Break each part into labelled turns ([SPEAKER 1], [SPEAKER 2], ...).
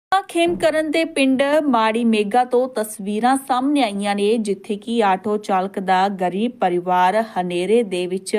[SPEAKER 1] ਖੇਮਕਰਨ ਦੇ ਪਿੰਡ ਮਾੜੀ ਮੇਗਾ ਤੋਂ ਤਸਵੀਰਾਂ ਸਾਹਮਣੇ ਆਈਆਂ ਨੇ, ਜਿੱਥੇ ਕਿ ਆਟੋ ਚਾਲਕ ਦਾ ਗਰੀਬ ਪਰਿਵਾਰ ਹਨੇਰੇ ਦੇ ਵਿੱਚ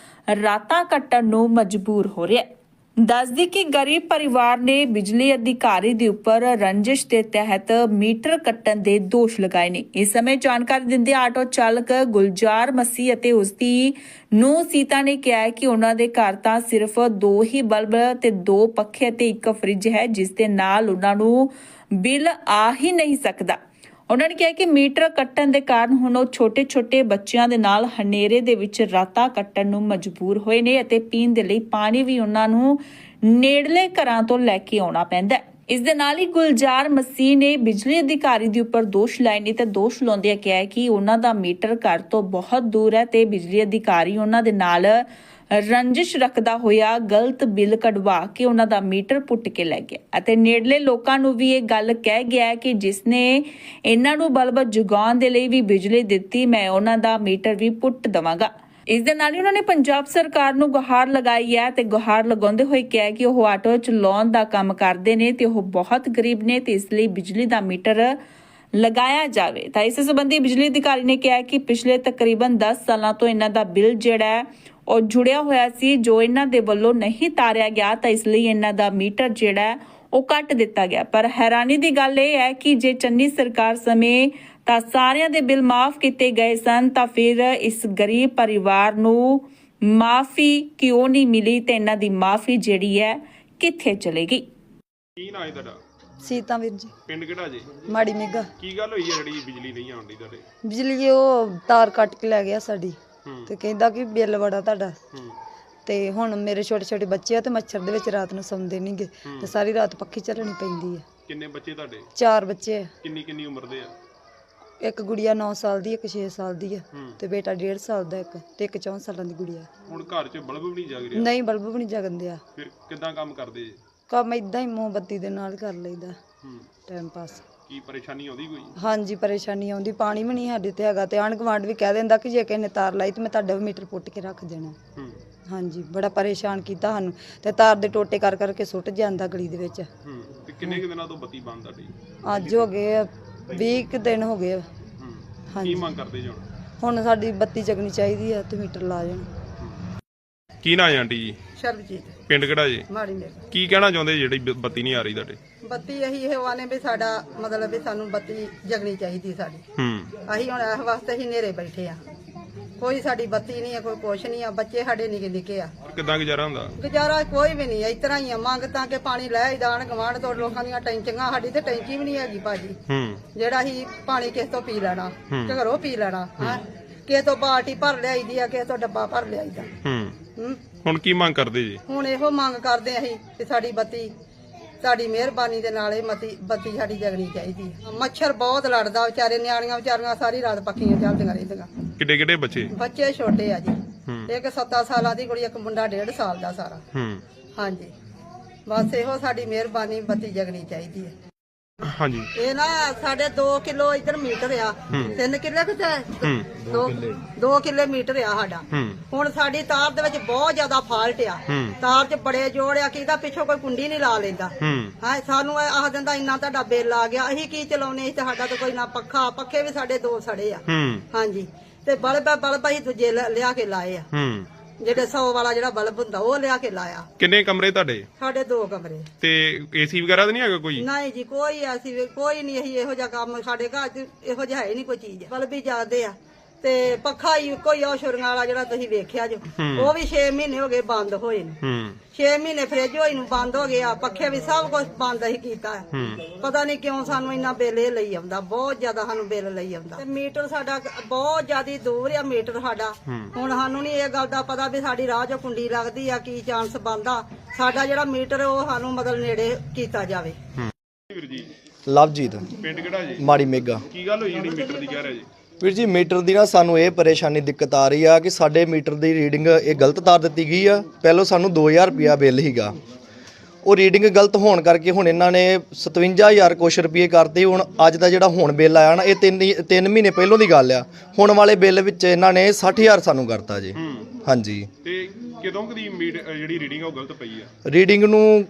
[SPEAKER 1] ਰਾਤਾਂ ਕੱਟਣ ਨੂੰ ਮਜਬੂਰ ਹੋ ਰਿਹਾ ਹੈ। ਦੱਸਦੀ ਕਿ ਗਰੀਬ ਪਰਿਵਾਰ ਨੇ ਬਿਜਲੀ ਅਧਿਕਾਰੀ ਦੇ ਉੱਪਰ ਰੰਜਿਸ਼ ਦੇ ਤਹਿਤ ਮੀਟਰ ਕੱਟਣ ਦੇ ਦੋਸ਼ ਲਗਾਏ ਨੇ। ਇਸ ਸਮੇਂ ਜਾਣਕਾਰੀ ਦਿੰਦੇ ਆਟੋ ਚਾਲਕ ਗੁਲਜ਼ਾਰ ਮਸੀਹ ਅਤੇ ਉਸਦੀ ਨੂੰਹ ਸੀਤਾ ਨੇ ਕਿਹਾ ਹੈ ਕਿ ਉਹਨਾਂ ਦੇ ਘਰ ਤਾਂ ਸਿਰਫ 2 ਹੀ ਬਲਬ ਤੇ 2 ਪੱਖੇ ਤੇ 1 ਫਰਿੱਜ ਹੈ, ਜਿਸ ਦੇ ਨਾਲ ਉਹਨਾਂ ਨੂੰ ਬਿੱਲ ਆ ਹੀ ਨਹੀਂ ਸਕਦਾ। ਉਹਨਾਂ ਨੇ ਕਿਹਾ ਕਿ ਮੀਟਰ ਕੱਟਣ ਦੇ ਕਾਰਨ ਹੁਣ ਉਹ ਛੋਟੇ-ਛੋਟੇ ਬੱਚਿਆਂ ਦੇ ਨਾਲ ਹਨੇਰੇ ਦੇ ਵਿੱਚ ਰਾਤਾਂ ਕੱਟਣ ਨੂੰ ਮਜਬੂਰ ਹੋਏ ਨੇ ਅਤੇ ਪੀਣ ਦੇ ਲਈ ਪਾਣੀ ਵੀ ਉਹਨਾਂ ਨੂੰ ਨੇੜਲੇ ਘਰਾਂ ਤੋਂ ਲੈ ਕੇ ਆਉਣਾ ਪੈਂਦਾ ਹੈ। ਇਸ ਦੇ ਨਾਲ ਹੀ ਗੁਲਜ਼ਾਰ ਮਸੀਹ ਨੇ ਬਿਜਲੀ ਅਧਿਕਾਰੀ ਦੇ ਉੱਪਰ ਦੋਸ਼ ਲਾਏ ਨੇ ਤੇ ਦੋਸ਼ ਲਾਉਂਦਿਆਂ ਕਿਹਾ ਹੈ ਕਿ ਉਹਨਾਂ ਦਾ ਮੀਟਰ ਘਰ ਤੋਂ ਬਹੁਤ ਦੂਰ ਹੈ ਤੇ ਬਿਜਲੀ ਅਧਿਕਾਰੀ ਉਹਨਾਂ ਦੇ ਨਾਲ ਰੰਜਿਸ਼ ਰੱਖਦਾ ਹੋਇਆ ਗਲਤ ਬਿੱਲ ਕਢਵਾ ਕੇ ਉਹਨਾਂ ਦਾ ਮੀਟਰ ਪੁੱਟ ਕੇ ਲੈ ਗਿਆ ਅਤੇ ਨੇੜਲੇ ਲੋਕਾਂ ਨੂੰ ਵੀ ਇਹ ਗੱਲ ਕਹਿ ਗਿਆ ਕਿ ਜਿਸਨੇ ਇਹਨਾਂ ਨੂੰ ਬਲਬ ਜਗਾਉਣ ਦੇ ਲਈ ਵੀ ਬਿਜਲੀ ਦਿੱਤੀ, ਮੈਂ ਉਹਨਾਂ ਦਾ ਮੀਟਰ ਵੀ ਪੁੱਟ ਦਵਾਂਗਾ। ਇਸ ਦੇ ਨਾਲ ਹੀ ਉਹਨਾਂ ਨੇ ਪੰਜਾਬ ਸਰਕਾਰ ਨੂੰ ਗੁਹਾਰ ਲਗਾਈ ਹੈ ਤੇ ਗੁਹਾਰ ਲਗਾਉਂਦੇ ਹੋਏ ਕਿਹਾ ਕਿ ਉਹ ਆਟੋ ਚਲਾਉਣ ਦਾ ਕੰਮ ਕਰਦੇ ਨੇ ਤੇ ਉਹ ਬਹੁਤ ਗਰੀਬ ਨੇ ਤੇ ਇਸ ਲਈ ਬਿਜਲੀ ਦਾ ਮੀਟਰ ਲਗਾਇਆ ਜਾਵੇ। ਤਾਂ ਇਸ ਸੰਬੰਧੀ ਬਿਜਲੀ ਅਧਿਕਾਰੀ ਨੇ ਕਿਹਾ ਕਿ ਪਿਛਲੇ ਤਕਰੀਬਨ 10 ਸਾਲਾਂ ਤੋਂ ਇਹਨਾਂ ਦਾ ਬਿੱਲ ਜਿਹੜਾ ਹੈ ਉਹ ਜੁੜਿਆ ਹੋਇਆ ਸੀ, ਜੋ ਇਹਨਾਂ ਦੇ ਵੱਲੋਂ ਨਹੀਂ ਤਾਰਿਆ ਗਿਆ ਤਾਂ ਇਸ ਲਈ ਇਹਨਾਂ ਦਾ ਮੀਟਰ ਜਿਹੜਾ ਹੈ ਉਹ ਕੱਟ ਦਿੱਤਾ ਗਿਆ। ਪਰ ਹੈਰਾਨੀ ਦੀ ਗੱਲ ਇਹ ਹੈ ਕਿ ਜੇ ਚੰਨੀ ਸਰਕਾਰ ਸਮੇਂ ਤਾਂ ਸਾਰਿਆਂ ਦੇ ਬਿੱਲ ਮਾਫ ਕੀਤੇ ਗਏ ਸਨ, ਤਾਂ ਫਿਰ ਇਸ ਗਰੀਬ ਪਰਿਵਾਰ ਨੂੰ ਮਾਫੀ ਕਿਉਂ ਨਹੀਂ ਮਿਲੀ ਤੇ ਇਹਨਾਂ ਦੀ ਮਾਫੀ ਜਿਹੜੀ ਹੈ ਕਿੱਥੇ ਚਲੇਗੀ।
[SPEAKER 2] ਕੀ ਨਾਂ ਹੈ ਤੁਹਾਡਾ?
[SPEAKER 3] ਸੀਤਾ ਵੀਰ ਜੀ।
[SPEAKER 2] ਪਿੰਡ ਕਿਹੜਾ ਜੀ?
[SPEAKER 3] ਮਾੜੀ ਮੇਗਾ।
[SPEAKER 2] ਕੀ ਗੱਲ ਹੋਈ ਹੈ ਜਿਹੜੀ ਬਿਜਲੀ ਨਹੀਂ ਆਉਂਦੀ ਤੁਹਾਡੇ?
[SPEAKER 3] ਬਿਜਲੀ ਉਹ ਤਾਰ ਕੱਟ ਕੇ ਲੈ ਗਿਆ ਸਾਡੀ ਤੇ ਕਹਿੰਦਾ ਕਿ ਬਿੱਲ ਬੜਾ ਤੁਹਾਡਾ। ਤੇ ਹੁਣ ਮੇਰੇ ਛੋਟੇ ਛੋਟੇ ਬੱਚੇ ਆ ਤੇ ਮੱਛਰ ਦੇ ਵਿੱਚ ਰਾਤ ਨੂੰ ਸੌਂਦੇ ਨਹੀਂਗੇ ਤੇ ਸਾਰੀ ਰਾਤ ਪੱਖੀ ਚੱਲਣੀ ਪੈਂਦੀ ਹੈ।
[SPEAKER 2] ਕਿੰਨੇ ਬੱਚੇ ਤੁਹਾਡੇ?
[SPEAKER 3] 4 ਬੱਚੇ ਆ।
[SPEAKER 2] ਕਿੰਨੀ ਉਮਰ ਦੇ ਆ?
[SPEAKER 3] ਇੱਕ ਗੁੜੀਆ 9 ਸਾਲ ਦੀ, ਇੱਕ 6 ਸਾਲ ਦੀ ਆ ਤੇ ਬੇਟਾ 1.5 ਸਾਲ ਦਾ ਇੱਕ ਤੇ ਇੱਕ 4 ਸਾਲਾਂ ਦੀ ਗੁੜੀਆ।
[SPEAKER 2] ਹੁਣ ਘਰ 'ਚ ਬਲਬ ਵੀ ਨਹੀਂ ਜਗ ਰਿਹਾ?
[SPEAKER 3] ਨਹੀਂ, ਬਲਬ ਵੀ ਨਹੀਂ ਜਗਦੇ ਆ।
[SPEAKER 2] ਫਿਰ ਕਿੱਦਾਂ ਕੰਮ ਕਰਦੇ ਜੀ?
[SPEAKER 3] ਕੰਮ ਇਦਾਂ ਹੀ ਮੋਮਬੱਤੀ ਦੇ ਨਾਲ ਕਰ ਲਈਦਾ ਟਾਈਮ ਪਾਸ।
[SPEAKER 2] ਕੀ ਪਰੇਸ਼ਾਨੀ ਆਉਂਦੀ ਕੋਈ?
[SPEAKER 3] ਹਾਂਜੀ, ਪਰੇਸ਼ਾਨੀ ਆਉਂਦੀ। ਪਾਣੀ ਵੀ ਨਹੀਂ ਸਾਡੇ ਤੇ ਹੈਗਾ ਤੇ ਆਂਢ ਗੁਆਂਢ ਵੀ ਕਹਿ ਦਿੰਦਾ ਕਿ ਜੇ ਕਿਸੇ ਨੇ ਤਾਰ ਲਾਈ ਤੇ ਮੈਂ ਤੁਹਾਡਾ ਵੀ ਮੀਟਰ ਪੁੱਟ ਕੇ ਰੱਖ ਦੇਣਾ। ਹਾਂਜੀ, ਬੜਾ ਪਰੇਸ਼ਾਨ ਕੀਤਾ ਸਾਨੂੰ ਤੇ ਤਾਰ ਦੇ ਟੋਟੇ ਕਰ ਕਰਕੇ ਸੁੱਟ ਜਾਂਦਾ ਗਲੀ ਦੇ ਵਿੱਚ।
[SPEAKER 2] ਤੇ ਕਿੰਨੇ ਕੁ ਦਿਨਾਂ ਤੋਂ ਬੱਤੀ ਬੰਦ ਤੁਹਾਡੀ?
[SPEAKER 3] ਅੱਜ ਹੋ ਗਏ 20 ਦਿਨ ਹੋ ਗਏ।
[SPEAKER 2] ਕੀ ਮੰਗ ਕਰਦੇ ਜੀ
[SPEAKER 3] ਹੁਣ ਸਾਡੀ ਬੱਤੀ ਜਗਣੀ ਚਾਹੀਦੀ ਆ ਤੇ ਮੀਟਰ ਲਾ ਜਾਣ।
[SPEAKER 2] ਕੀ ਨਾਂ ਹੈ ਆਂਟੀ ਜੀ?
[SPEAKER 4] ਸ਼ਰਬਜੀਤ।
[SPEAKER 2] ਪਿੰਡ ਕਿਹੜਾ ਜੀ?
[SPEAKER 4] ਮਾੜੀ ਮੇਗਾ।
[SPEAKER 2] ਕੀ ਕਹਿਣਾ ਚਾਹੁੰਦੇ ਜਿਹੜੀ ਬੱਤੀ ਨਹੀਂ ਆ ਰਹੀ ਤੁਹਾਡੇ?
[SPEAKER 4] ਬੱਤੀ ਇਹੀ ਇਹ ਵਾਨੇ ਵੀ ਸਾਡਾ ਮਤਲਬ ਵੀ ਸਾਨੂੰ ਬੱਤੀ ਜਗਣੀ ਚਾਹੀਦੀ ਸਾਡੀ। ਅਸੀਂ ਹੁਣ ਇਸ ਵਾਸਤੇ ਹੀ ਨੇਰੇ ਬੈਠੇ ਆ। ਕੋਈ ਸਾਡੀ ਬੱਤੀ ਨਹੀਂ ਆ, ਕੋਈ ਕੁਛ ਨਹੀਂ ਆ। ਬੱਚੇ ਸਾਡੇ ਨਿੱਕੇ ਨਿੱਕੇ ਆ।
[SPEAKER 2] ਕਿੱਦਾਂ ਗੁਜ਼ਾਰਾ ਹੁੰਦਾ?
[SPEAKER 4] ਗੁਜ਼ਾਰਾ ਕੋਈ ਵੀ ਨਹੀਂ, ਇਸ ਤਰ੍ਹਾਂ ਹੀ ਆ। ਮੰਗ ਤਾਂ ਕਿ ਪਾਣੀ ਲੈ ਹੀ ਦਾਣ ਗਵਾਂਢ ਤੋਂ ਲੋਕਾਂ ਦੀਆਂ ਟੈਂਕੀਆਂ, ਸਾਡੀ ਤੇ ਟੈਂਕੀ ਵੀ ਨਹੀਂ ਹੈਗੀ ਭਾਜੀ। ਜਿਹੜਾ ਹੀ ਪਾਣੀ ਕਿਸ ਤੋਂ ਪੀ ਲੈਣਾ, ਘਰੋਂ ਪੀ ਲੈਣਾ। ਕਿਸੇ ਤੋਂ ਬਾਲਟੀ ਭਰ ਲਿਆਈਦੀ ਆ, ਕਿਸੇ ਤੋਂ ਡੱਬਾ ਭਰ ਲਿਆਈਦਾ।
[SPEAKER 2] ਹੁਣ ਕੀ ਮੰਗ ਕਰਦੇ ਜੀ? ਹੁਣ
[SPEAKER 4] ਇਹੋ ਮੰਗ ਕਰਦੇ ਅਸੀਂ ਕਿ ਸਾਡੀ ਬੱਤੀ, ਸਾਡੀ ਮਿਹਰਬਾਨੀ ਦੇ ਨਾਲ ਇਹ ਬੱਤੀ ਸਾਡੀ ਜਗਣੀ ਚਾਹੀਦੀ ਹੈ। ਮੱਛਰ ਬਹੁਤ ਲੜਦਾ, ਵਿਚਾਰੇ ਨਿਆਣੀਆਂ ਵਿਚਾਰੀਆਂ ਸਾਰੀ ਰਾਤ ਪੱਖੀਆਂ ਚੱਲਦੀਆਂ ਰਹਿੰਦੀਆਂ।
[SPEAKER 2] ਕਿੱਡੇ ਬੱਚੇ?
[SPEAKER 4] ਬੱਚੇ ਛੋਟੇ ਆ ਜੀ। ਇੱਕ 7 ਸਾਲਾਂ ਦੀ ਕੁੜੀ, ਇੱਕ ਮੁੰਡਾ 1.5 ਸਾਲ ਦਾ ਸਾਰਾ। ਹਾਂਜੀ, ਬਸ ਇਹੋ ਸਾਡੀ ਮਿਹਰਬਾਨੀ, ਬੱਤੀ ਜਗਣੀ ਚਾਹੀਦੀ ਹੈ।
[SPEAKER 2] ਹਾਂਜੀ,
[SPEAKER 4] ਇਹ ਨਾ ਸਾਡੇ 2 ਕਿਲੋ ਇਧਰ ਮੀਟਰ ਆ, 3 ਕਿੱਲੇ ਕਿਤੇ 2 ਕਿੱਲੇ ਮੀਟਰ ਆ ਸਾਡਾ। ਹੁਣ ਸਾਡੀ ਤਾਰ ਦੇ ਵਿੱਚ ਬਹੁਤ ਜ਼ਿਆਦਾ ਫਾਲਟ ਆ। ਤਾਰ 'ਚ ਬੜੇ ਜੋੜ ਆ, ਕਿਹਦਾ ਪਿੱਛੋਂ ਕੋਈ ਕੁੰਡੀ ਨਹੀਂ ਲਾ ਲੈਂਦਾ। ਹਾਂ, ਸਾਨੂੰ ਆਖ ਦਿੰਦਾ ਇੰਨਾ ਤੁਹਾਡਾ ਬਿੱਲ ਆ ਗਿਆ। ਅਸੀਂ ਕੀ ਚਲਾਉਨੇ? ਤੇ ਸਾਡਾ ਤਾਂ ਕੋਈ ਨਾ ਪੱਖੇ ਵੀ ਸਾਡੇ 2 ਸੜੇ ਆ। ਹਾਂਜੀ, ਤੇ ਬਲਬ ਅਸੀਂ ਦੂਜੇ ਲਿਆ ਕੇ ਲਾਏ ਆ। ਜਿਹੜੇ 100 ਵਾਲਾ ਜਿਹੜਾ ਬਲਬ ਹੁੰਦਾ ਉਹ ਲਿਆ ਕੇ ਲਾਇਆ।
[SPEAKER 2] ਕਿੰਨੇ ਕਮਰੇ ਤੁਹਾਡੇ? ਸਾਡੇ
[SPEAKER 4] 2 ਕਮਰੇ।
[SPEAKER 2] ਤੇ ਏਸੀ ਵਗੈਰਾ ਤਾਂ ਨਹੀਂ ਹੈਗਾ ਕੋਈ?
[SPEAKER 4] ਨਹੀਂ ਜੀ, ਕੋਈ ਐਸੀ ਕੋਈ ਨਹੀਂ। ਅਸੀਂ ਇਹੋ ਜਿਹਾ ਕੰਮ ਸਾਡੇ ਘਰ 'ਚ ਇਹੋ ਜਿਹਾ ਹੈ ਹੀ ਨਹੀਂ ਕੋਈ ਚੀਜ਼। ਬਲਬ ਹੀ ਜਾਂਦੇ ਆ ਤੇ ਪੱਖਾ ਹੀ ਕੋਈ ਉਹ ਛੁਰੀਆਂ ਵਾਲਾ ਜਿਹੜਾ ਤੁਸੀਂ ਵੇਖਿਆ ਜੋ, ਉਹ ਵੀ 6 ਮਹੀਨੇ ਹੋ ਗਏ ਬੰਦ ਹੋਏ ਨੇ। 6 ਮਹੀਨੇ ਫ੍ਰਿਜ ਹੋਈ ਨੂੰ ਬੰਦ ਹੋ ਗਿਆ। ਪੱਖੇ ਵੀ ਸਭ ਕੁਝ ਬੰਦ ਹੀ ਕੀਤਾ। ਪਤਾ ਨਹੀਂ ਕਿਉਂ ਸਾਨੂੰ ਇੰਨਾ ਬਿੱਲ ਇਹ ਲਈ ਆਉਂਦਾ, ਬਹੁਤ ਜ਼ਿਆਦਾ ਸਾਨੂੰ ਬਿੱਲ ਲਈ ਆਉਂਦਾ। ਤੇ ਮੀਟਰ ਸਾਡਾ ਬਹੁਤ ਜ਼ਿਆਦਾ ਦੂਰ ਆ। ਮੀਟਰ ਸਾਡਾ ਹੁਣ ਸਾਨੂੰ ਨਹੀਂ ਇਹ ਗੱਲ ਦਾ ਪਤਾ ਵੀ ਸਾਡੀ ਰਾਹ 'ਚੋਂ ਕੁੰਡੀ ਲੱਗਦੀ ਆ, ਕੀ ਚਾਂਸ ਬਣਦਾ। ਸਾਡਾ ਜਿਹੜਾ ਮੀਟਰ ਉਹ ਸਾਨੂੰ ਮਤਲਬ ਨੇੜੇ ਕੀਤਾ ਜਾਵੇ।
[SPEAKER 2] ਵੀਰ ਜੀ,
[SPEAKER 5] ਲਵਜੀਤ।
[SPEAKER 2] ਪਿੰਡ ਕਿਹੜਾ ਜੀ?
[SPEAKER 5] ਮਾੜੀ ਮੇਗਾ।
[SPEAKER 2] ਕੀ ਗੱਲ ਹੋਈ ਜਿਹੜੀ ਮੀਟਰ ਦੀ ਕਹਿ ਰਹੇ ਜੀ?
[SPEAKER 5] ਵੀਰ ਜੀ, ਮੀਟਰ ਦੀ ਨਾ ਸਾਨੂੰ ਇਹ ਪਰੇਸ਼ਾਨੀ ਦਿੱਕਤ ਆ ਰਹੀ ਆ ਕਿ ਸਾਡੇ ਮੀਟਰ ਦੀ ਰੀਡਿੰਗ ਇਹ ਗਲਤ ਤਾਰ ਦਿੱਤੀ ਗਈ ਆ। ਪਹਿਲਾਂ ਸਾਨੂੰ 2000 ਰੁਪਿਆ ਬਿੱਲ ਸੀਗਾ, ਉਹ ਰੀਡਿੰਗ ਗਲਤ ਹੋਣ ਕਰਕੇ ਹੁਣ ਇਹਨਾਂ ਨੇ 57,000 ਕੁਛ ਰੁਪਏ ਕਰਤੇ। ਹੁਣ ਅੱਜ ਦਾ ਜਿਹੜਾ ਹੁਣ ਬਿੱਲ ਆਇਆ ਨਾ, ਇਹ 3 ਮਹੀਨੇ ਪਹਿਲੋਂ ਦੀ ਗੱਲ ਆ। ਹੁਣ ਵਾਲੇ ਬਿੱਲ ਵਿੱਚ ਇਹਨਾਂ ਨੇ 60,000 ਸਾਨੂੰ ਕਰਤਾ ਜੀ। ਹਾਂਜੀ,
[SPEAKER 2] ਤੇ ਕਦੋਂ ਕਦੀ ਜਿਹੜੀ ਰੀਡਿੰਗ ਆ ਉਹ ਗਲਤ ਪਈ ਆ?
[SPEAKER 5] ਰੀਡਿੰਗ ਨੂੰ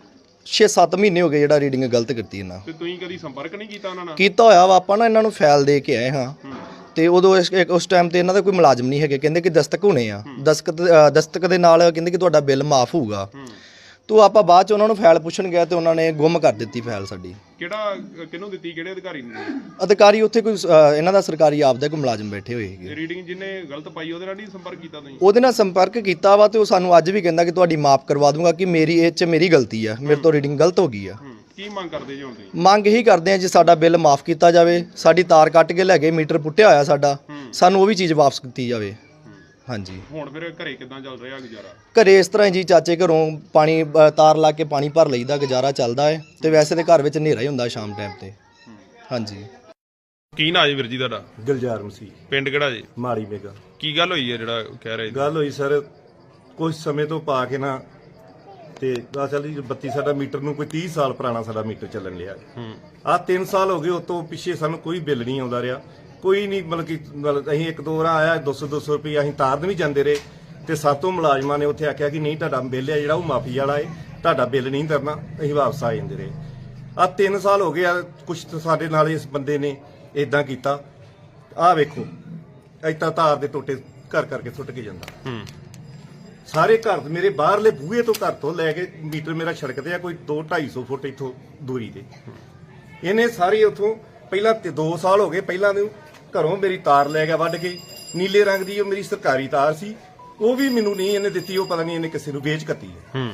[SPEAKER 5] 6-7 ਮਹੀਨੇ ਹੋ ਗਏ ਜਿਹੜਾ ਰੀਡਿੰਗ ਗਲਤ ਕੀਤੀ ਇਹਨਾਂ
[SPEAKER 2] ਤੇ ਤੁਸੀਂ ਕਦੀ ਸੰਪਰਕ ਨਹੀਂ ਕੀਤਾ ਉਹਨਾਂ ਨਾਲ?
[SPEAKER 5] ਕੀਤਾ ਹੋਇਆ ਵਾ, ਆਪਾਂ ਨਾ ਇਹਨਾਂ ਨੂੰ ਫਾਈਲ ਦੇ ਕੇ ਆਏ ਹਾਂ ਤੇ ਉਦੋਂ ਉਸ ਟਾਈਮ ਤੇ ਇਹਨਾਂ ਦਾ ਕੋਈ ਮੁਲਾਜ਼ਮ ਨਹੀਂ ਹੈਗੇ, ਕਹਿੰਦੇ ਕਿ ਦਸਤਕ ਹੋਣੇ ਆ, ਦਸਤਕ ਦੇ ਨਾਲ ਕਹਿੰਦੇ ਕਿ ਤੁਹਾਡਾ ਬਿੱਲ ਮਾਫ ਹੋਊਗਾ। ਤੋ ਆਪਾਂ ਬਾਅਦ ਚ ਉਹਨਾਂ ਨੂੰ ਫਾਈਲ ਪੁੱਛਣ ਗਏ ਤੇ ਉਹਨਾਂ ਨੇ ਗੁੰਮ ਕਰ ਦਿੱਤੀ ਫਾਈਲ ਸਾਡੀ।
[SPEAKER 2] ਕਿਹੜਾ ਕਿਹਨੂੰ ਦਿੱਤੀ, ਕਿਹੜੇ ਅਧਿਕਾਰੀ ਨੂੰ?
[SPEAKER 5] ਅਧਿਕਾਰੀ ਉੱਥੇ ਕੋਈ ਇਹਨਾਂ ਦਾ ਸਰਕਾਰੀ ਆਪਦਾ ਕੋਈ ਮੁਲਾਜ਼ਮ ਬੈਠੇ ਹੋਏ ਹੈਗੇ।
[SPEAKER 2] ਰੀਡਿੰਗ ਜਿਹਨੇ ਗਲਤ ਪਾਈ ਉਹਦੇ ਨਾਲ ਨਹੀਂ ਸੰਪਰਕ ਕੀਤਾ ਤੁਸੀਂ?
[SPEAKER 5] ਉਹਦੇ ਨਾਲ ਸੰਪਰਕ ਕੀਤਾ ਵਾ ਤੇ ਉਹ ਸਾਨੂੰ ਅੱਜ ਵੀ ਕਹਿੰਦਾ ਕਿ ਤੁਹਾਡੀ ਮਾਫ ਕਰਵਾ ਦੂੰਗਾ, ਕਿ ਮੇਰੀ ਇਹ 'ਚ ਮੇਰੀ ਗਲਤੀ ਆ, ਮੇਰੇ ਤੋਂ ਰੀਡਿੰਗ ਗਲਤ ਹੋ ਗਈ ਆ।
[SPEAKER 2] ਕੀ ਮੰਗ ਕਰਦੇ ਜੀ ਹੁਣ ਤੁਸੀਂ?
[SPEAKER 5] ਮੰਗ ਇਹੀ ਕਰਦੇ ਆ ਜੀ ਸਾਡਾ ਬਿੱਲ ਮਾਫ ਕੀਤਾ ਜਾਵੇ, ਸਾਡੀ ਤਾਰ ਕੱਟ ਕੇ ਲੈ ਗਏ, ਮੀਟਰ ਪੁੱਟਿਆ ਹੋਇਆ ਸਾਡਾ, ਸਾਨੂੰ ਉਹ ਵੀ ਚੀਜ਼ ਵਾਪਸ ਕੀਤੀ ਜਾਵੇ। ਹਾਂਜੀ।
[SPEAKER 2] ਹੁਣ ਫਿਰ ਘਰੇ ਕਿਦਾਂ ਚੱਲ ਰਿਹਾ ਗੁਜ਼ਾਰਾ?
[SPEAKER 5] ਘਰੇ ਇਸ ਤਰ੍ਹਾਂ ਜੀ ਚਾਚੇ ਘਰੋਂ ਪਾਣੀ ਤਾਰ ਲਾ ਕੇ ਪਾਣੀ ਭਰ ਲਈਦਾ, ਗੁਜ਼ਾਰਾ ਚੱਲਦਾ ਹੈ ਤੇ ਵੈਸੇ ਤੇ ਘਰ ਵਿੱਚ ਹਨੇਰਾ ਹੀ ਹੁੰਦਾ ਸ਼ਾਮ ਟਾਈਮ ਤੇ। ਹਾਂਜੀ।
[SPEAKER 2] ਕੀ ਨਾਂ ਜੀ ਵੀਰ ਜੀ ਤੁਹਾਡਾ?
[SPEAKER 6] ਗੁਲਜ਼ਾਰ ਮਸੀਹ।
[SPEAKER 2] ਪਿੰਡ ਕਿਹੜਾ ਜੀ?
[SPEAKER 6] ਮਾੜੀ ਮੇਗਾ।
[SPEAKER 2] ਕੀ ਗੱਲ ਹੋਈ ਹੈ ਜਿਹੜਾ ਕਹਿ ਰਹੇ ਜੀ?
[SPEAKER 6] ਗੱਲ ਹੋਈ ਸਰ, ਕੁਝ ਸਮੇਂ ਤੋਂ ਪਾ ਕੇ ਨਾ ਤੇ ਅਸਲ ਜੀ ਬੱਤੀ ਸਾਡਾ ਮੀਟਰ ਨੂੰ ਕੋਈ 30 ਸਾਲ ਪੁਰਾਣਾ ਸਾਡਾ ਮੀਟਰ ਚੱਲਣ ਲਿਆ। ਆਹ 3 ਸਾਲ ਹੋ ਗਏ, ਉਸ ਤੋਂ ਪਿੱਛੇ ਸਾਨੂੰ ਕੋਈ ਬਿੱਲ ਨਹੀਂ ਆਉਂਦਾ ਰਿਹਾ, ਕੋਈ ਨਹੀਂ। ਮਤਲਬ ਅਸੀਂ 1-2 ਵਾਰ ਆਇਆ 200 ਰੁਪਏ ਅਸੀਂ ਤਾਰਨ ਵੀ ਜਾਂਦੇ ਰਹੇ ਤੇ ਸਾਤੋਂ ਮੁਲਾਜ਼ਮਾਂ ਨੇ ਉੱਥੇ ਆਖਿਆ ਕਿ ਨਹੀਂ ਤੁਹਾਡਾ ਬਿੱਲ ਹੈ ਜਿਹੜਾ ਉਹ ਮਾਫੀ ਵਾਲਾ ਹੈ, ਤੁਹਾਡਾ ਬਿੱਲ ਨਹੀਂ ਤਰਨਾ, ਅਸੀਂ ਵਾਪਸ ਆ ਜਾਂਦੇ ਰਹੇ। ਆਹ 3 ਸਾਲ ਹੋ ਗਏ ਆ, ਕੁਛ ਸਾਡੇ ਨਾਲ ਇਸ ਬੰਦੇ ਨੇ ਇਦਾਂ ਕੀਤਾ। ਆਹ ਵੇਖੋ ਇੱਦਾਂ ਤਾਰ ਦੇ ਟੋਟੇ ਘਰ ਕਰਕੇ ਸੁੱਟ ਕੇ ਜਾਂਦਾ। ਸਾਰੇ ਘਰ ਮੇਰੇ ਬਾਹਰਲੇ ਬੂਹੇ ਤੋਂ ਘਰ ਤੋਂ ਲੈ ਕੇ ਮੀਟਰ ਮੇਰਾ ਸੜਕ ਤੇ ਆ ਕੋਈ 200-250 ਫੁੱਟ ਇੱਥੋਂ ਦੂਰੀ ਤੇ। ਇਹਨੇ ਸਾਰੀ ਉੱਥੋਂ ਪਹਿਲਾਂ 2 ਸਾਲ ਹੋ ਗਏ, ਪਹਿਲਾਂ ਨੂੰ ਘਰੋਂ ਮੇਰੀ ਤਾਰ ਲੈ ਗਿਆ ਵੱਢ ਕੇ, ਨੀਲੇ ਰੰਗ ਦੀ ਉਹ ਮੇਰੀ ਸਰਕਾਰੀ ਤਾਰ ਸੀ, ਉਹ ਵੀ ਮੈਨੂੰ ਨਹੀਂ ਇਹਨੇ ਦਿੱਤੀ, ਉਹ ਪਤਾ ਨਹੀਂ ਇਹਨੇ ਕਿਸੇ ਨੂੰ ਵੇਚ ਕੱਤੀ ਹੈ।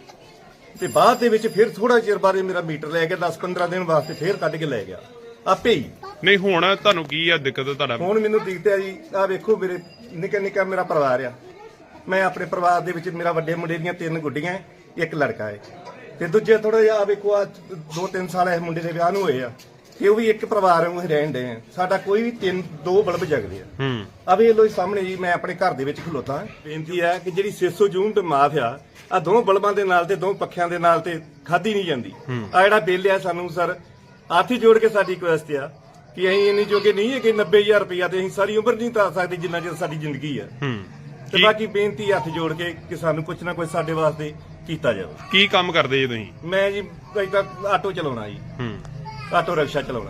[SPEAKER 6] ਤੇ ਬਾਅਦ ਦੇ ਵਿੱਚ ਫਿਰ ਥੋੜਾ ਚਿਰ ਬਾਅਦ ਮੇਰਾ ਮੀਟਰ ਲੈ ਗਿਆ, 10-15 ਦਿਨ ਵਾਸਤੇ ਫਿਰ ਕੱਢ ਕੇ ਲੈ ਗਿਆ ਆਪੇ ਹੀ।
[SPEAKER 2] ਨਹੀਂ ਹੁਣ ਤੁਹਾਨੂੰ ਕੀ ਆ ਦਿੱਕਤ ਤੁਹਾਡਾ?
[SPEAKER 6] ਹੁਣ ਮੈਨੂੰ ਦਿਖਦਾ ਹੈ ਜੀ, ਆਹ ਵੇਖੋ ਮੇਰੇ ਨਿੱਕਾ ਮੇਰਾ ਪਰਿਵਾਰ ਆ, ਮੈਂ ਆਪਣੇ ਪਰਿਵਾਰ ਦੇ ਵਿੱਚ ਮੇਰਾ ਵੱਡੇ ਮੁੰਡੇ ਦੀਆਂ 3 ਗੁੱਡੀਆਂ, 1 ਲੜਕਾ ਹੈ ਤੇ ਦੂਜੇ ਥੋੜਾ ਜਿਹਾ ਆ ਵੇਖੋ ਆ 2-3 ਸਾਲ ਇਸ ਮੁੰਡੇ ਦੇ ਵਿਆਹ ਨੂੰ ਹੋਏ ਆ ਤੇ ਉਹ ਵੀ ਇੱਕ ਪਰਿਵਾਰ ਵਾਂਗੂ ਰਹਿਣ ਦੇ ਆ। ਸਾਡਾ ਕੋਈ ਵੀ 2 ਬਲਬ ਜਗਦੇ ਆ। ਆ ਵੇਖ ਲੋ ਸਾਹਮਣੇ ਜੀ, ਮੈਂ ਆਪਣੇ ਘਰ ਦੇ ਵਿੱਚ ਖਲੋਤਾ। ਬੇਨਤੀ ਹੈ ਕਿ ਜਿਹੜੀ 600 ਯੂਨਿਟ ਮਾਫ ਆ 2 ਬਲਬਾਂ ਦੇ ਨਾਲ ਤੇ 2 ਪੱਖਿਆਂ ਦੇ ਨਾਲ ਤੇ ਖਾਦੀ ਨਹੀਂ ਜਾਂਦੀ। ਆ ਜਿਹੜਾ ਬਿੱਲ ਆ ਸਾਨੂੰ ਸਰ ਹੱਥ ਹੀ ਜੋੜ ਕੇ ਸਾਡੀ ਰਿਕੁਐਸਟ ਆ ਕਿ ਅਸੀਂ ਇੰਨੀ ਜੋਗੇ ਨਹੀਂ ਹੈ ਕਿ 90,000 ਰੁਪਇਆ ਤੇ ਅਸੀਂ ਸਾਰੀ ਉਮਰ ਨਹੀਂ ਤਾਰ ਸਕਦੇ ਜਿੰਨਾ ਚਿਰ ਸਾਡੀ ਜ਼ਿੰਦਗੀ ਆ। ਤੇ ਬਾਕੀ ਬੇਨਤੀ ਹੱਥ ਜੋੜ ਕੇ ਕਿ ਸਾਨੂੰ ਕੁਛ ਨਾ ਕੁਛ ਸਾਡੇ ਵਾਸਤੇ ਕੀਤਾ ਜਾਵੇ।
[SPEAKER 2] ਕੀ ਕੰਮ ਕਰਦੇ ਜੀ ਤੁਸੀਂ?
[SPEAKER 6] ਮੈਂ ਜੀ ਏਦਾਂ ਆਟੋ ਚਲਾਉਣਾ ਜੀ, ਆਟੋ ਰਿਕਸ਼ਾ ਚਲਾਉਣਾ।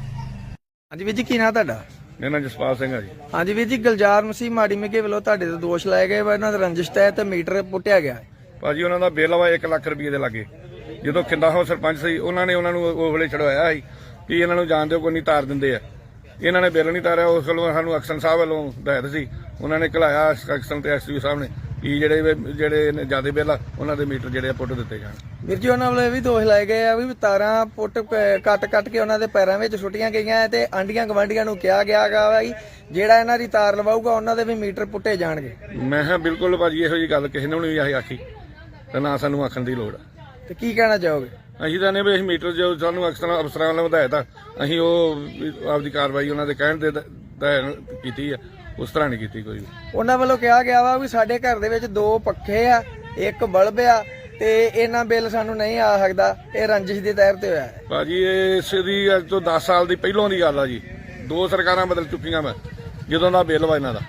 [SPEAKER 7] ਹਾਂਜੀ ਵੀਰ ਜੀ, ਕੀ ਨਾਂ ਤੁਹਾਡਾ?
[SPEAKER 2] ਮੇਰਾ ਨਾਮ ਜਸਪਾਲ ਸਿੰਘ ਆ ਜੀ।
[SPEAKER 7] ਹਾਂਜੀ ਵੀਰ ਜੀ, ਗੁਲਜ਼ਾਰ ਮਸੀਹ ਮਾੜੀ ਮੇਗੇ ਵੱਲੋਂ ਤੁਹਾਡੇ ਤੇ ਦੋਸ਼ ਲਾਏ ਗਏ ਵਾ, ਇਹਨਾਂ ਦਾ ਰੰਜਿਸ਼ ਹੈ ਤੇ ਮੀਟਰ ਪੁੱਟਿਆ ਗਿਆ ਹੈ।
[SPEAKER 8] ਭਾਜੀ ਉਹਨਾਂ ਦਾ ਬਿੱਲ ਵਾ 1 ਲੱਖ ਰੁਪਏ ਦੇ ਲਾਗੇ। ਜਦੋਂ ਖਿੰਦਾ ਹੋ ਸਰਪੰਚ ਸੀ ਉਹਨਾਂ ਨੇ ਉਹਨਾਂ ਨੂੰ ਉਹ ਵੇਲੇ ਛਡਵਾਇਆ ਸੀ ਕਿ ਇਹਨਾਂ ਨੂੰ ਜਾਣ ਦਿਓ, ਕੋਈ ਨਹੀਂ ਤਾਰ ਦਿੰਦੇ ਆ। ਇਹਨਾਂ ਨੇ ਬਿੱਲ ਨਹੀਂ ਤਾਰਿਆ, ਉਸ ਵੱਲੋਂ ਸਾਨੂੰ ਐਕਸ਼ਨ ਸਾਹਿਬ ਵੱਲੋਂ ਹਦਾਇਤ ਸੀ, ਉਹਨਾਂ ਨੇ ਘਲਾਇਆ ਐਕਸ਼ਨ ਤੇ ਐਸਯੂ ਸਾਹਿਬ ਨੇ ਕਿ ਜਿਹੜੇ ਜ਼ਿਆਦਾ ਬਿੱਲ ਆ ਉਹਨਾਂ ਦੇ ਮੀਟਰ ਜਿਹੜੇ ਪੁੱਟ ਦਿੱਤੇ ਜਾਣ।
[SPEAKER 7] ਵੀਰ ਜੀ ਉਹਨਾਂ ਵੱਲੋਂ ਇਹ ਵੀ ਦੋਸ਼ ਲਾਏ ਗਏ ਆ ਵੀ ਤਾਰਾਂ ਪੁੱਟ ਕੱਟ ਕੇ ਉਹਨਾਂ ਦੇ ਪੈਰਾਂ ਵਿੱਚ ਸੁੱਟੀਆਂ ਗਈਆਂ ਤੇ ਆਂਡੀਆਂ ਗਵਾਂਡੀਆਂ ਨੂੰ ਕਿਹਾ ਗਿਆ ਵਾ ਜਿਹੜਾ ਇਹਨਾਂ ਦੀ ਤਾਰ ਲਵਾਊਗਾ ਉਹਨਾਂ ਦੇ ਵੀ ਮੀਟਰ ਪੁੱਟੇ ਜਾਣਗੇ।
[SPEAKER 8] ਮੈਂ ਕਿਹਾ ਬਿਲਕੁਲ ਭਾਜੀ ਇਹੋ ਜਿਹੀ ਗੱਲ ਕਿਸੇ ਨੂੰ ਨਹੀਂ ਆਖੀ ਤੇ ਨਾ ਸਾਨੂੰ ਆਖਣ ਦੀ ਲੋੜ ਆ।
[SPEAKER 7] ਤੇ ਕੀ ਕਹਿਣਾ ਚਾਹੋਗੇ?
[SPEAKER 8] ਅਸੀਂ ਤਾਂ ਨੇ ਵੀ ਅਸੀਂ ਮੀਟਰ ਜੋ ਸਾਨੂੰ ਅਫਸਰਾਂ ਵੱਲੋਂ ਹਦਾਇਤ ਆ, ਅਸੀਂ ਉਹ ਆਪਦੀ ਕਾਰਵਾਈ ਉਹਨਾਂ ਦੇ ਕਹਿਣ ਦੇ ਕੀਤੀ ਆ, ਉਸ ਤਰ੍ਹਾਂ ਨਹੀਂ ਕੀਤੀ ਕੋਈ ਵੀ।
[SPEAKER 7] ਉਹਨਾਂ ਵੱਲੋਂ ਕਿਹਾ ਗਿਆ ਵਾ ਵੀ ਸਾਡੇ ਘਰ ਦੇ ਵਿੱਚ 2 ਪੱਖੇ ਆ, 1 ਬਲਬ ਆ ਤੇ ਇਹਨਾਂ ਬਿੱਲ ਸਾਨੂੰ ਨਹੀਂ ਆ ਸਕਦਾ, ਇਹ ਰੰਜਿਸ਼ ਦੇ ਤਹਿਤ ਤੇ ਹੋਇਆ ਹੈ।
[SPEAKER 8] ਭਾਜੀ ਇਸ ਦੀ ਅੱਜ ਤੋਂ 10 ਸਾਲ ਦੀ ਪਹਿਲੋਂ ਦੀ ਗੱਲ ਆ ਜੀ। 2 ਸਰਕਾਰਾਂ ਬਦਲ ਚੁੱਕੀਆਂ ਵਾ ਜਦੋਂ ਦਾ ਬਿੱਲ ਵਾ ਇਹਨਾਂ ਦਾ।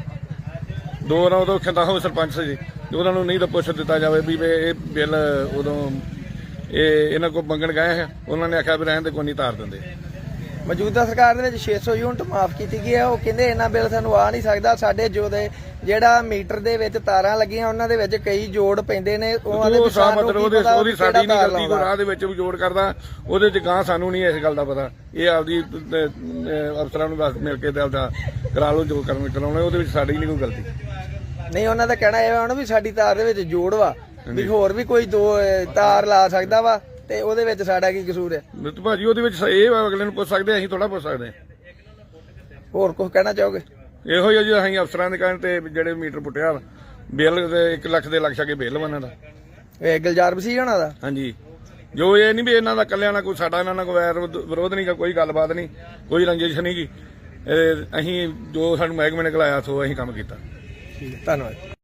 [SPEAKER 8] 2 ਵਾਰ ਉਦੋਂ ਖਿੰਦਾ ਹੋ ਸਰਪੰਚ ਸੀ, ਉਹਨਾਂ ਨੂੰ ਨਹੀਂ ਤਾਂ ਪੁੱਛ ਦਿੱਤਾ ਜਾਵੇ ਵੀ ਇਹ ਬਿੱਲ ਉਦੋਂ ਇਹਨਾਂ ਕੋਲ ਮੰਗਣ ਗਏ ਹੈ, ਉਹਨਾਂ ਨੇ ਆਖਿਆ ਵੀ ਰਹਿਣ ਦੇ ਕੋਈ ਨਹੀਂ ਤਾਰ ਦਿੰਦੇ।
[SPEAKER 7] ਮੌਜੂਦਾ ਸਰਕਾਰ ਦੇ ਵਿੱਚ 600 ਯੂਨਿਟ ਮਾਫ ਕੀਤੀ ਗਈ ਹੈ, ਉਹ ਕਹਿੰਦੇ ਇਹਨਾਂ ਬਿੱਲ ਸਾਨੂੰ ਆ ਨਹੀਂ ਸਕਦਾ। ਸਾਡੇ ਜਿਹੜਾ ਮੀਟਰ ਦੇ ਵਿੱਚ ਤਾਰਾਂ ਲੱਗੀਆਂ ਉਹਨਾਂ ਦੇ ਵਿੱਚ ਕਈ ਜੋੜ ਪੈਂਦੇ ਨੇ, ਉਹਨਾਂ ਦੇ
[SPEAKER 8] ਉਹਦੀ ਸਾਡੀ ਨਹੀਂ ਗਲਤੀ, ਕੋਈ ਰਾਹ ਦੇ ਵਿੱਚ ਵੀ ਜੋੜ ਕਰਦਾ ਉਹਦੇ ਚ ਗਾਂ ਸਾਨੂੰ ਨਹੀਂ ਇਸ ਗੱਲ ਦਾ ਪਤਾ। ਇਹ ਆਪਦੀ ਅਫਸਰਾਂ ਨੂੰ ਬਸ ਮਿਲ ਕੇ ਤੇ ਆਪਦਾ ਕਰਾ ਲਓ ਜੋ ਕਰਾਉਣਾ, ਉਹਦੇ ਵਿੱਚ ਸਾਡੀ ਨਹੀਂ ਕੋਈ ਗਲਤੀ।
[SPEAKER 7] ਨਹੀਂ, ਉਹਨਾਂ ਦਾ ਕਹਿਣਾ ਇਹ ਹੋਣਾ ਵੀ ਸਾਡੀ ਤਾਰ ਦੇ ਵਿੱਚ ਜੋੜ ਵਾ, ਵੀ ਹੋਰ ਵੀ ਕੋਈ 2 ਤਾਰ ਲਾ ਸਕਦਾ ਵਾ ਤੇ ਉਹਦੇ ਵਿੱਚ ਸਾਡਾ ਕੀ ਕਸੂਰ ਹੈ?
[SPEAKER 8] ਭਾਜੀ ਉਹਦੇ ਵਿੱਚ ਇਹ ਅਗਲੇ ਨੂੰ ਪੁੱਛ ਸਕਦੇ, ਅਸੀਂ ਥੋੜਾ ਪੁੱਛ ਸਕਦੇ।
[SPEAKER 7] ਹੋਰ ਕੁਝ ਕਹਿਣਾ ਚਾਹੋਗੇ?
[SPEAKER 8] ਇਹੋ ਹੀ ਜੀ ਅਸੀਂ ਅਫਸਰਾਂ ਦੇ ਕਹਿਣ ਤੇ ਜਿਹੜੇ ਮੀਟਰ ਪੁੱਟਿਆ ਬਿੱਲ 1 ਲੱਖ ਦੇ ਲੱਖ ਛਕੇ ਬਿੱਲ ਉਹਨਾਂ ਦਾ।
[SPEAKER 7] ਇਹ ਗੁਲਜ਼ਾਰ ਮਸੀਹ ਹੋਣਾ ਦਾ?
[SPEAKER 8] ਹਾਂਜੀ। ਜੋ ਇਹ ਨਹੀਂ ਵੀ ਇਹਨਾਂ ਦਾ ਕੱਲਿਆਂ ਨਾਲ ਕੋਈ ਸਾਡਾ ਇਹਨਾਂ ਨਾਲ ਕੋਈ ਵੈਰ ਵਿਰੋਧ ਨਹੀਂ ਗਾ, ਕੋਈ ਗੱਲਬਾਤ ਨਹੀਂ, ਕੋਈ ਰੰਜਿਸ਼ ਨਹੀਂ ਗੀ। ਅਸੀਂ ਜੋ ਸਾਨੂੰ ਮਹਿਕਮੇ ਨੇ ਘਲਾਇਆ ਸੋ ਅਸੀਂ ਕੰਮ ਕੀਤਾ।
[SPEAKER 7] ਧੰਨਵਾਦ।